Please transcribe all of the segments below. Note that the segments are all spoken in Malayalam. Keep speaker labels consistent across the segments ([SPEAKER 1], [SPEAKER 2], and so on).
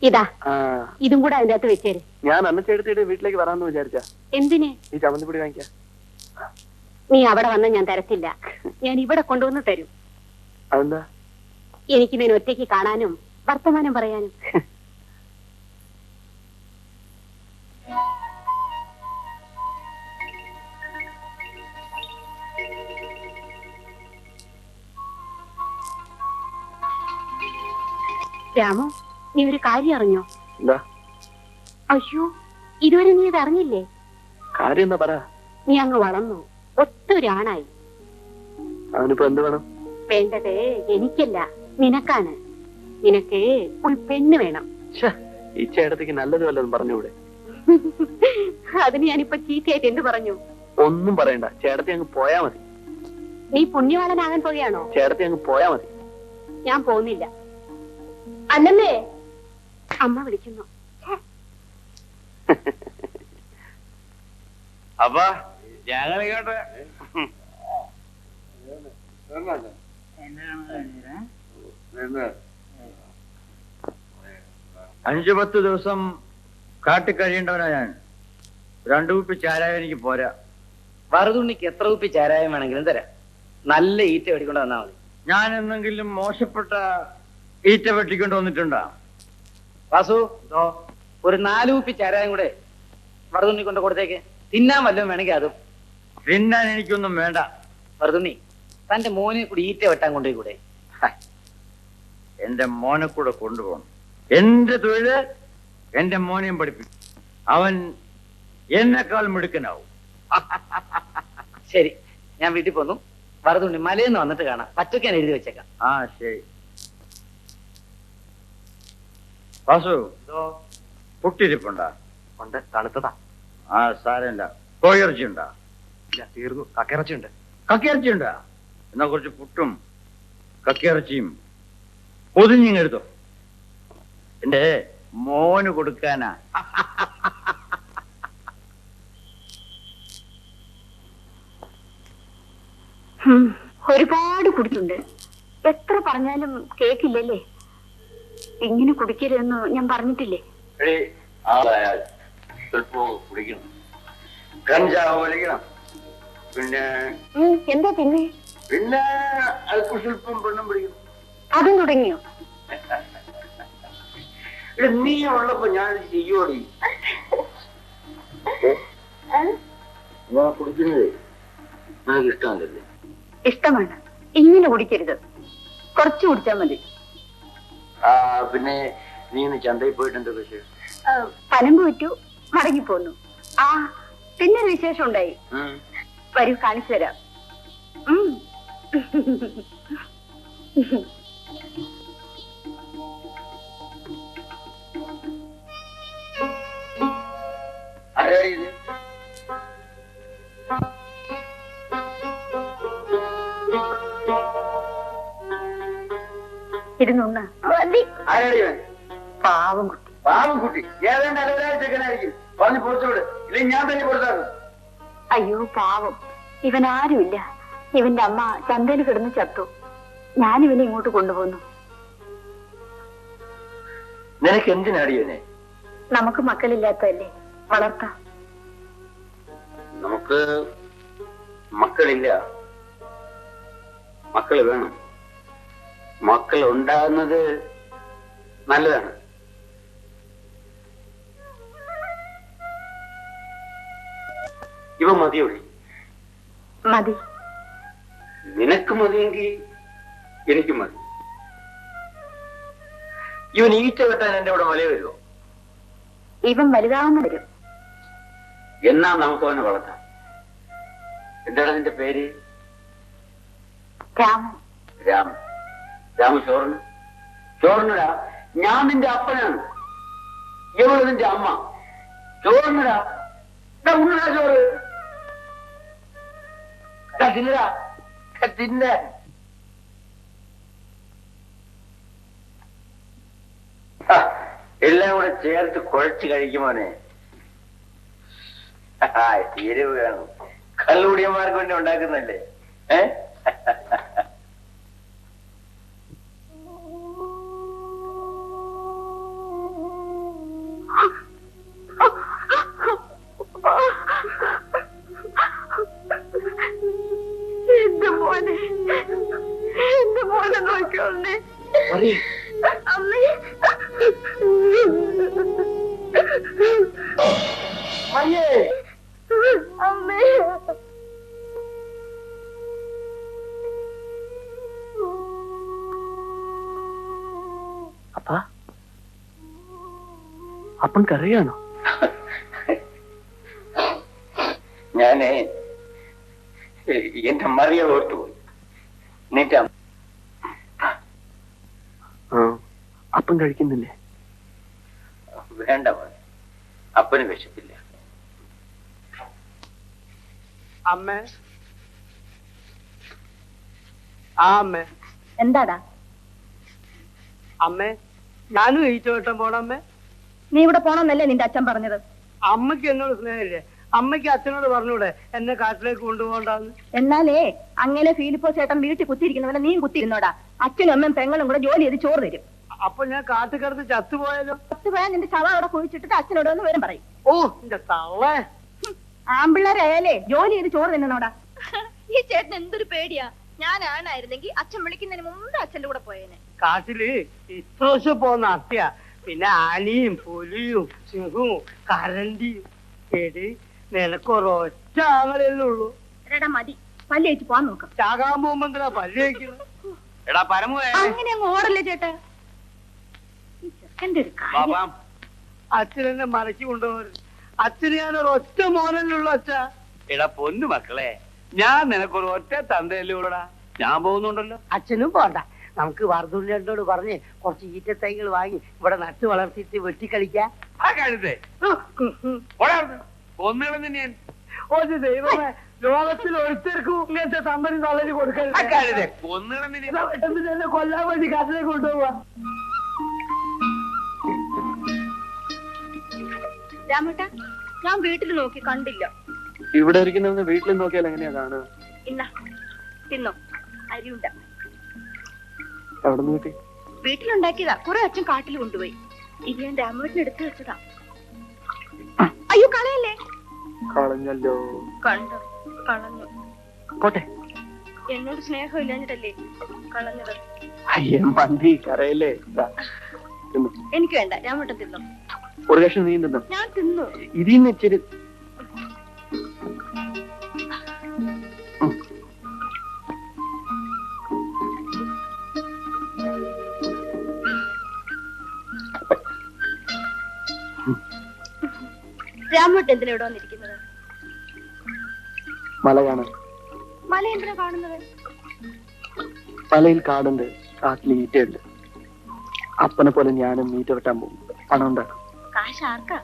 [SPEAKER 1] ഇതാ ഇതും കൂടെ അതിന്റെ അകത്ത് വെച്ചേര്.
[SPEAKER 2] ഞാൻ അന്നച്ചെടുത്തിട്ട് വീട്ടിലേക്ക് വരാമെന്ന് വിചാരിച്ച.
[SPEAKER 1] എന്തിന്?
[SPEAKER 2] ഈ ചമ്മന്തിപ്പൊടി വാങ്ങിക്കാം.
[SPEAKER 1] നീ അവിടെ വന്ന ഞാൻ തരത്തില്ല, ഞാൻ ഇവിടെ കൊണ്ടുവന്ന് തരും.
[SPEAKER 2] അതെന്താ?
[SPEAKER 1] എനിക്ക് നിന്നെ ഒറ്റയ്ക്ക് കാണാനും വർത്തമാനം പറയാനും. രാമു, നീ ഒരു കാര്യം അറിഞ്ഞോ?
[SPEAKER 2] എന്താ?
[SPEAKER 1] അയ്യോ, ഇതുവരെ നീ ഇത് അറിഞ്ഞില്ലേ?
[SPEAKER 2] കാര്യം എന്താ പറ.
[SPEAKER 1] നീ അങ്ങ് വളർന്നു, ഒത്തൊരാണായി.
[SPEAKER 2] അവനിപ്പോ എന്ത് വേണം?
[SPEAKER 1] വേണ്ടത് എനിക്കല്ല, നിനക്കാണ്. നിനക്ക് ഒരു പെണ്ണ് വേണം.
[SPEAKER 2] ഈ ചേട്ടത്തേക്ക് നല്ലത് വല്ലതും പറഞ്ഞൂടെ?
[SPEAKER 1] അതിന് ഞാനിപ്പോ ചീത്തയായിട്ട് എന്ത് പറഞ്ഞു?
[SPEAKER 2] ഒന്നും പറയണ്ട, ചേട്ടത്തി അങ്ങ് പോയാ മതി.
[SPEAKER 1] നീ പുണ്യവാളനാകാൻ പോവുകയാണോ?
[SPEAKER 2] ചേട്ടത്തി അങ്ങ് പോയാ മതി.
[SPEAKER 1] ഞാൻ പോകുന്നില്ല. അല്ലമ്മേ, അമ്മ വിളിക്കുന്നു.
[SPEAKER 3] അപ്പാ ഞങ്ങളിങ്ങോട്ട് 5-10 ദിവസം കാട്ടിൽ കഴിയേണ്ടവനാ ഞാൻ. 2 കുപ്പി ചാരായം എനിക്ക് പോരാ.
[SPEAKER 4] വറുതുണ്ണിക്ക് എത്ര കുപ്പി ചാരായം വേണമെങ്കിലും തരാം. നല്ല ഈറ്റ വെടിക്കൊണ്ട് വന്നാൽ മതി.
[SPEAKER 3] ഞാൻ എന്തെങ്കിലും മോശപ്പെട്ട ഈറ്റ വെട്ടിക്കൊണ്ട് വന്നിട്ടുണ്ടോ?
[SPEAKER 4] വാസു, ഒരു 4 കുപ്പി ചാരായം കൂടെ വറുതുണ്ണി കൊണ്ട് കൊടുത്തേക്ക്. തിന്നാൻ വല്ലതും വേണമെങ്കിൽ അതും.
[SPEAKER 3] തിന്നാൻ എനിക്കൊന്നും വേണ്ട.
[SPEAKER 4] വറുതുണ്ണി, തന്റെ മോനെ കൂടി ഈറ്റ വെട്ടാൻ കൊണ്ടുപോയി കൂടെ?
[SPEAKER 3] എന്റെ മോനെ കൂടെ കൊണ്ടുപോകണം. എന്റെ തൊഴില് എന്റെ മോനെയും പഠിപ്പിക്കും. അവൻ എന്നെക്കാൾ മിടുക്കനാവും.
[SPEAKER 4] ശരി, ഞാൻ വീട്ടിൽ പോന്നു. വറുതുണ്ണി മലയെന്ന് വന്നിട്ട് കാണാം. പച്ചക്കാൻ എഴുതി വെച്ചേക്കാം.
[SPEAKER 3] ആ ശരി. വാസു, പുട്ടിരിപ്പുണ്ടാ?
[SPEAKER 2] ഉണ്ട്, തണുത്തതാ.
[SPEAKER 3] ആ സാരമില്ല. കോഴിയിറച്ചി ഉണ്ടാ?
[SPEAKER 2] ഇല്ല, തീർന്നു. കക്കിറച്ചിയുണ്ട്.
[SPEAKER 3] കക്കിയിറച്ചി ഉണ്ടാ? എന്നാ കുറച്ച് പുട്ടും കക്കിയിറച്ചിയും പൊതിഞ്ഞിങ്ങെടുത്തോ. എന്റെ മോന് കൊടുക്കാനാ.
[SPEAKER 1] ഒരുപാട് കുടിച്ചുണ്ട്. എത്ര പറഞ്ഞാലും കേക്കില്ലല്ലേ? ഇങ്ങനെ കുടിക്കരുതെന്ന് ഞാൻ പറഞ്ഞിട്ടില്ലേ?
[SPEAKER 3] കുടിക്കണം, കഞ്ചാവ് വലിക്കണം. പിന്നെ
[SPEAKER 1] എന്താ പിന്നെ?
[SPEAKER 3] പിന്നെ അല്പം സ്വല്പം പെണ്ണും പിടിക്കണം.
[SPEAKER 1] അതും തുടങ്ങിയോ?
[SPEAKER 3] നീ ഉള്ളപ്പോ ഞാൻ ചെയ്യോടി. കുടിക്കുന്നത് നിനക്ക് ഇഷ്ടമല്ലേ?
[SPEAKER 1] ഇഷ്ടമാണ്. ഇങ്ങനെ കുടിക്കരുത്, കുറച്ച് കുടിച്ചാൽ മതി.
[SPEAKER 3] പിന്നെ നീ ഇന്ന് ചന്തയിൽ പോയിട്ട് എന്താ വിശേഷം?
[SPEAKER 1] പനം പോയിട്ടു മടങ്ങിപ്പോന്നു. ആ, പിന്നെ ഒരു വിശേഷം ഉണ്ടായി. വരൂ, കാണിച്ചു തരാം. ഇരുന്നൊന്ന്. പാവം കുട്ടി.
[SPEAKER 3] പാവം കുട്ടി ഏതാണ്ട് അലവരാഴ്ചക്കനായിരിക്കും. പറഞ്ഞു പൊളിച്ചോട്, ഇല്ലെങ്കിൽ ഞാൻ തന്നെ കൊടുത്താകും.
[SPEAKER 1] അയ്യോ പാവം, ഇവൻ ആരുമില്ല. ഇവന്റെ അമ്മ ചന്തയിൽ കിടന്ന് ചത്തു. ഞാനിവനെ ഇങ്ങോട്ട് കൊണ്ടുപോന്നു.
[SPEAKER 3] നിനക്ക് എന്തിനടിയനെ?
[SPEAKER 1] നമുക്ക് മക്കളില്ലാത്തതല്ലേ, വളർത്താം.
[SPEAKER 3] നമുക്ക് മക്കളില്ല, മക്കള് വേണം. മക്കൾ ഉണ്ടാകുന്നത് നല്ലതാണ്. ഇവ മതിയോടി?
[SPEAKER 1] മതി.
[SPEAKER 3] നിനക്ക് മതിയെങ്കിൽ എനിക്ക് മതി. ഇവൻ ഈറ്റ വെട്ടാൻ എന്റെ ഇവിടെ വലയ വരുമോ?
[SPEAKER 1] ഇവൻ വലുതാവുന്ന വരും.
[SPEAKER 3] എന്നാ നമുക്ക് അവനെ വളർത്താം. എന്താണ് നിന്റെ പേര്?
[SPEAKER 1] രാമൻ.
[SPEAKER 3] രാമൻ. രാമ ചോറിന് ചോറിനടാ. ഞാൻ നിന്റെ അപ്പനാണ്, ഇവള് നിന്റെ അമ്മ. ചോറിനടാ, ഉണ്ണടാ ചോറ്. തിന്നടാ, തിന്ന. എല്ലാം കൂടെ ചേർത്ത് കുഴച്ച് കഴിക്കുമോനെ. എരിവ് വേണം. കള്ളുകൂടിയന്മാർക്ക് വേണ്ടി ഉണ്ടാക്കുന്നല്ലേ?
[SPEAKER 1] അമ്മേ അമ്മേ
[SPEAKER 2] അപ്പാ അപ്പം കരയാണോ?
[SPEAKER 3] ഞാനേ എന്റെ മറിയ ഓർത്തുപോയി. നിന്റെ
[SPEAKER 2] അപ്പം കഴിക്കുന്നില്ലേ?
[SPEAKER 3] വേണ്ട മോനെ, അപ്പന് വിശപ്പില്ല.
[SPEAKER 4] അമ്മേ ആ അമ്മേ
[SPEAKER 1] എന്താടാ?
[SPEAKER 4] അമ്മേ ഞാനും ഈച്ചോട്ടം പോണമ്മേ.
[SPEAKER 1] നീ ഇവിടെ പോണമെന്നല്ലേ നിന്റെ അച്ഛൻ പറഞ്ഞത്?
[SPEAKER 4] അമ്മയ്ക്ക് എന്നോട് സ്നേഹമില്ലേ? അമ്മയ്ക്ക് അച്ഛനോട് പറഞ്ഞൂടെ എന്നെ കാട്ടിലേക്ക് കൊണ്ടുപോകണ്ടെന്ന്?
[SPEAKER 1] എന്നാലേ അങ്ങനെ ഫിലിപ്പോ ചേട്ടൻ വീട്ടിൽ കുത്തിയിരിക്കുന്നവരെ നീ കുത്തിയിരുന്നോടാ. അച്ഛനും അമ്മയും പെങ്ങളും കൂടെ ജോലി ചെയ്ത് ചോറ് തരും.
[SPEAKER 4] അപ്പൊ ഞാൻ കാട്ടുകിടന്ന് ചത്തുപോയാലോ?
[SPEAKER 1] ചത്തുപോയാൽ നിന്റെ ശവം അവിടെ കുഴിച്ചിട്ടിട്ട് അച്ഛനോട് ഒന്ന് വരും പറയും.
[SPEAKER 4] ഓ എന്റെ തള്ളേ,
[SPEAKER 1] ആമ്പിള്ളേരായാലേ ജോലി ചെയ്ത് ചോറ് തിന്നണോടാ.
[SPEAKER 5] ഈ ചേട്ടൻ എന്തൊരു പേടിയാ. ഞാനായിരുന്നെങ്കിൽ അച്ഛൻ വിളിക്കുന്നതിന് മുമ്പ് അച്ഛന്റെ കൂടെ പോയേനെ.
[SPEAKER 4] കാട്ടില് ഇത്രോശം പോകുന്ന അത്യ, പിന്നെ ആനയും പുലിയും സിംഹവും കരണ്ടിയും. എടി നിനക്കൊരൊറ്റ ആങ്ങളല്ലേ ഉള്ളൂ.
[SPEAKER 1] എടാ മതി, പല്ലേറ്റ് പോവാൻ നോക്കാം.
[SPEAKER 4] ചാകാൻ പോകുമ്പോ എന്തിനാ പല്ല് കഴിക്കുന്നത്?
[SPEAKER 3] എടാ പരമേ,
[SPEAKER 1] അങ്ങനെ അങ്ങ് ഓടല്ലേ ചേട്ടാ. ഈ ചെക്കന്റെ ഒരു കാര്യം.
[SPEAKER 4] അച്ഛനെന്നെ മറക്കി കൊണ്ടുപോകരുത്. അച്ഛന് ഞാനൊരു ഒറ്റ മോനല്ലുള്ളൂ അച്ഛ.
[SPEAKER 3] എടാ പൊന്നു മക്കളെ, ഞാൻ നിനക്കൊരു ഒറ്റ തന്തയല്ലേ ഉള്ളടാ. ഞാൻ പോകുന്നുണ്ടല്ലോ.
[SPEAKER 4] അച്ഛനും പോണ്ട. നമുക്ക് വർദ്ധുള്ളിയോട് പറഞ്ഞ് കുറച്ച് ഈറ്റത്തൈകൾ വാങ്ങി ഇവിടെ നട്ടു വളർത്തിയിട്ട് വെട്ടിക്കളിക്കാം.
[SPEAKER 3] ആ കഴുതേ ഒന്നുകളെന്ന് ഞാൻ
[SPEAKER 4] ഒരു ദൈവമേ, ലോകത്തിൽ ഒരുത്തർക്കും ഇങ്ങനത്തെ സമ്പതി തള്ളി കൊടുക്കരുത്.
[SPEAKER 3] കഴുതേ ഒന്നുകളെന്ന്
[SPEAKER 4] എന്നെ കൊല്ലാൻ വേണ്ടി കാട്ടിലേക്ക് കൊണ്ടുപോവാ.
[SPEAKER 5] രാമേട്ട, ഞാൻ വീട്ടിൽ നോക്കി കണ്ടില്ല.
[SPEAKER 2] ഇവിടെ ഇരിക്കുന്ന വീട്ടിൽ നോക്കിയാൽ എങ്ങനെയാ കാണുക?
[SPEAKER 5] ഇന്ന തിന്നോ, അരിയുണ്ട.
[SPEAKER 2] എവിടെ നിന്ന് കിട്ടി?
[SPEAKER 5] വീട്ടിലുണ്ടാക്കിയതാ. കുറെ അച്ഛൻ കാട്ടിൽ കൊണ്ടുപോയി. ഇത് ഞാൻ രാമേട്ടന് എടുത്തു വെച്ചതാ. അയ്യോ കളയല്ലേ.
[SPEAKER 2] കളഞ്ഞല്ലോ.
[SPEAKER 5] കണ്ടോ, കളഞ്ഞു.
[SPEAKER 2] പോട്ടെ.
[SPEAKER 5] എന്നോട് സ്നേഹം ഇല്ലാഞ്ഞിട്ടല്ലേ കളഞ്ഞത്?
[SPEAKER 2] അയ്യേ മന്തി കരയല്ലേ.
[SPEAKER 5] എനിക്ക് വേണ്ട, രാമേട്ടൻ തിന്നോ.
[SPEAKER 2] ഒരു കഷ്ണം നീ തിന്നോ?
[SPEAKER 5] ഞാൻ തിന്നു.
[SPEAKER 2] ഇതിന്ന് ഇച്ചിരി
[SPEAKER 5] രാമേട്ടൻ എന്തിനാ ഇവിടെ വന്നിരിക്കുന്നത്?
[SPEAKER 2] മല കാണാൻ.
[SPEAKER 5] മല എന്തിനാ കാണുന്നത്?
[SPEAKER 2] മലയിൽ കാടുണ്ട്, കാട്ടിൽ ഈറ്റയുണ്ട്. അപ്പനെ പോലെ ഞാനും മീറ്റ വെട്ടാൻ പോകും. പണം ഉണ്ടാക്കും.
[SPEAKER 5] കാശ് ആർക്കാ?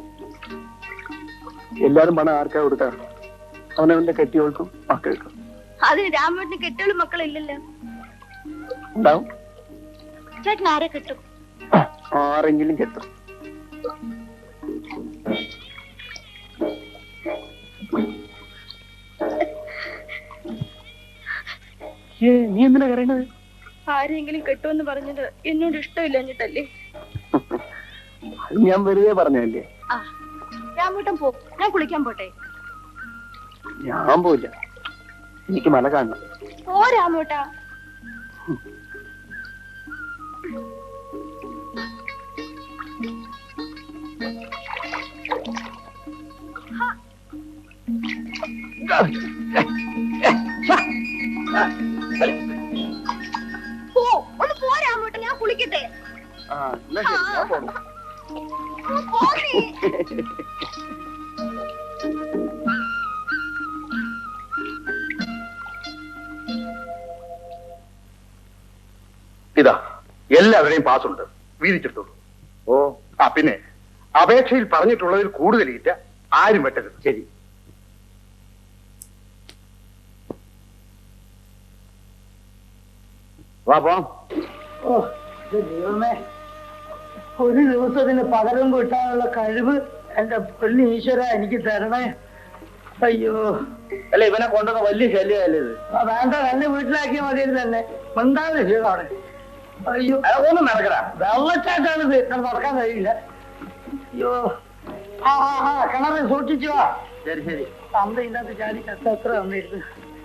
[SPEAKER 2] എല്ലാരും പണം ആർക്കാ കൊടുക്കാ? അവനവന്റെ കെട്ടിയോൾക്കും മക്കൾക്കും.
[SPEAKER 5] അതിന് രാമേട്ടന് കെട്ടികളും മക്കളില്ലല്ലോ.
[SPEAKER 2] ഉണ്ടാവും.
[SPEAKER 5] ചേട്ടൻ ആരെ കെട്ടും?
[SPEAKER 2] ആരെങ്കിലും കെട്ടും. നീ എന്തിനാ കരയണത്?
[SPEAKER 5] ആരെങ്കിലും കെട്ടുമെന്ന് പറഞ്ഞത് എന്നോട് ഇഷ്ടമില്ലഞ്ഞിട്ടല്ലേ?
[SPEAKER 2] ഞാൻ വെറുതെ പറഞ്ഞല്ലേ.
[SPEAKER 5] ആ രാമേട്ടൻ പോ, ഞാൻ കുളിക്കാൻ പോട്ടെ.
[SPEAKER 2] ഞാൻ പോയില്ല, എനിക്ക് മല കാണണം.
[SPEAKER 5] പോ രാമേട്ടാ. പോ, ഒന്ന് പോ രാമേട്ടൻ, ഞാൻ കുളിക്കട്ടെ.
[SPEAKER 2] എന്നാ ശരി, ഞാൻ പോണം.
[SPEAKER 5] പോ നീ.
[SPEAKER 6] ഇതാ എല്ലാവരുടെയും പാസ്സുണ്ട്, വീതിച്ചെടുത്തോളൂ.
[SPEAKER 3] ഓ
[SPEAKER 6] ആ പിന്നെ അപേക്ഷയിൽ പറഞ്ഞിട്ടുള്ളതിൽ കൂടുതൽ ഈറ്റ ആരും വെട്ടരുത്.
[SPEAKER 3] ശരി. വാ പോം.
[SPEAKER 4] ഓ ദൈവമേ, ഒരു ദിവസത്തിന് പകരം കിട്ടാനുള്ള കഴിവ് എന്റെ പൊന്നു ഈശ്വര എനിക്ക് തരണേ. അയ്യോ,
[SPEAKER 3] അല്ല ഇവനെ കൊണ്ടുവന്ന വലിയ ശല്യമല്ലേ ഇത്?
[SPEAKER 4] വേണ്ട, എന്നെ വീട്ടിലാക്കിയാൽ മതിയായിരുന്നു. തന്നെ മിണ്ടാതെ അവിടെ. അയ്യോ
[SPEAKER 3] ഒന്നും നടക്കടാ.
[SPEAKER 4] വെള്ളച്ചാട്ടാണിത്, അത് നടക്കാൻ കഴിയില്ല. അയ്യോ, ആ കിണറ് സൂക്ഷിച്ചു വാ.
[SPEAKER 3] ശരി ശരി.
[SPEAKER 4] തന്ത ഇതിനകത്ത് ചാടി ചത്ത എത്ര വന്നിരുന്നു.